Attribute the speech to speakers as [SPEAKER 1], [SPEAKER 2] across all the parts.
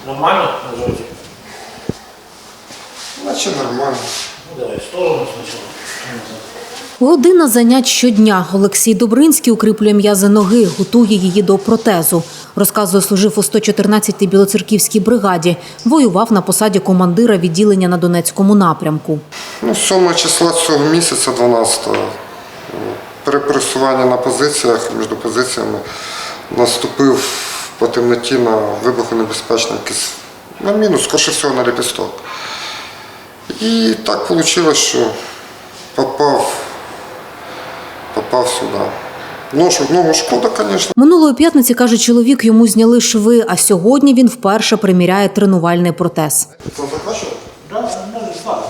[SPEAKER 1] Нормально наживаете?
[SPEAKER 2] Значить нормально.
[SPEAKER 1] Ну, давай в сторону сначала.
[SPEAKER 3] Година занять щодня. Олексій Добринський укріплює м'язи ноги, готує її до протезу. Розказує, служив у 114-й Білоцерківській бригаді. Воював на посаді командира відділення на Донецькому напрямку.
[SPEAKER 2] 7 числа цього місяця, 12-го, при пересуванні на позиціях, між позиціями, наступив по темноті на вибухонебезпечний якийсь, на міну, скоріше всього, на ліпісток. І так вийшло, що попав сюди. Ногу шкода, звісно.
[SPEAKER 3] Минулої п'ятниці, каже чоловік, йому зняли шви, а сьогодні він вперше приміряє тренувальний протез.
[SPEAKER 2] Це закачував?
[SPEAKER 1] Да, можно слабо.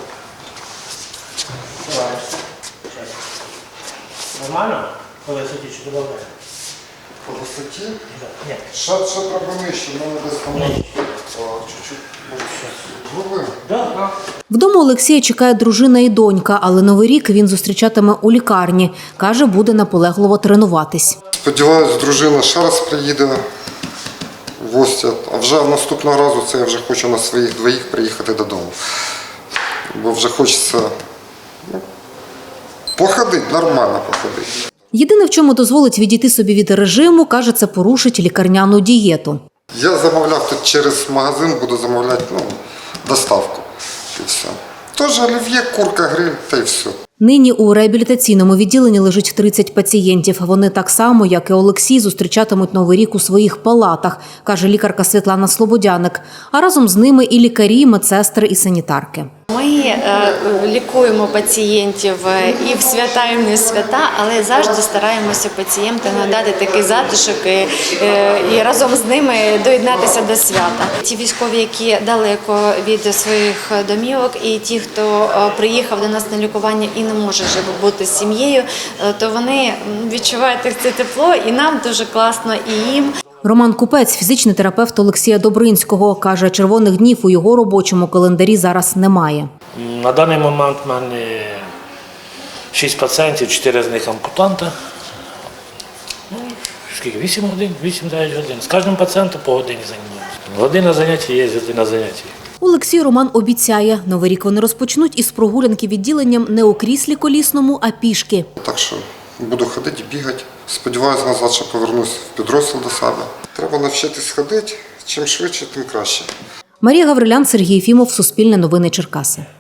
[SPEAKER 1] Давай. Сейчас. Нормально? По высоте что добавляем?
[SPEAKER 2] По висоті?
[SPEAKER 1] Да. Нет.
[SPEAKER 2] Ще треба нижче, в мене десь там чуть-чуть, може, зробимо.
[SPEAKER 1] Да.
[SPEAKER 3] Вдома Олексія чекає дружина і донька, але Новий рік він зустрічатиме у лікарні. Каже, буде наполегливо тренуватись.
[SPEAKER 2] Сподіваюсь, дружина ще раз приїде в гості, а вже наступного разу це я вже хочу на своїх двоїх приїхати додому. Бо вже хочеться походити, нормально походити.
[SPEAKER 3] Єдине, в чому дозволить відійти собі від режиму, каже, це порушить лікарняну дієту.
[SPEAKER 2] Я замовляв тут через магазин, буду замовляти доставку. І все. Тож олів'є, курка, гриль, та й все.
[SPEAKER 3] Нині у реабілітаційному відділенні лежить 30 пацієнтів. Вони так само, як і Олексій, зустрічатимуть Новий рік у своїх палатах, каже лікарка Світлана Слободяник. А разом з ними і лікарі, медсестри і санітарки.
[SPEAKER 4] Ми лікуємо пацієнтів і в свята, і в не свята, але завжди стараємося пацієнтам надати такий затишок і разом з ними доєднатися до свята. Ті військові, які далеко від своїх домівок, і ті, хто приїхав до нас на лікування і не може вже бути з сім'єю, то вони відчувають це тепло, і нам дуже класно, і їм.
[SPEAKER 3] Роман Купець – фізичний терапевт Олексія Добринського. Каже, червоних днів у його робочому календарі зараз немає.
[SPEAKER 1] На даний момент в мене 6 пацієнтів, 4 з них ампутанти. Скільки? 8 годин, 8-9 годин. З кожним пацієнтом по годині займаюся. Година заняття є, година заняття.
[SPEAKER 3] Олексій Роман обіцяє, Новий рік вони розпочнуть із прогулянки відділенням не у кріслі колісному, а пішки.
[SPEAKER 2] Так що буду ходити, бігати. Сподіваюсь, назад ще повернусь в підрозділ до себе. Треба навчитись ходити. Чим швидше, тим краще.
[SPEAKER 3] Марія Гаврилян, Сергій Єфімов, Суспільне новини Черкаси.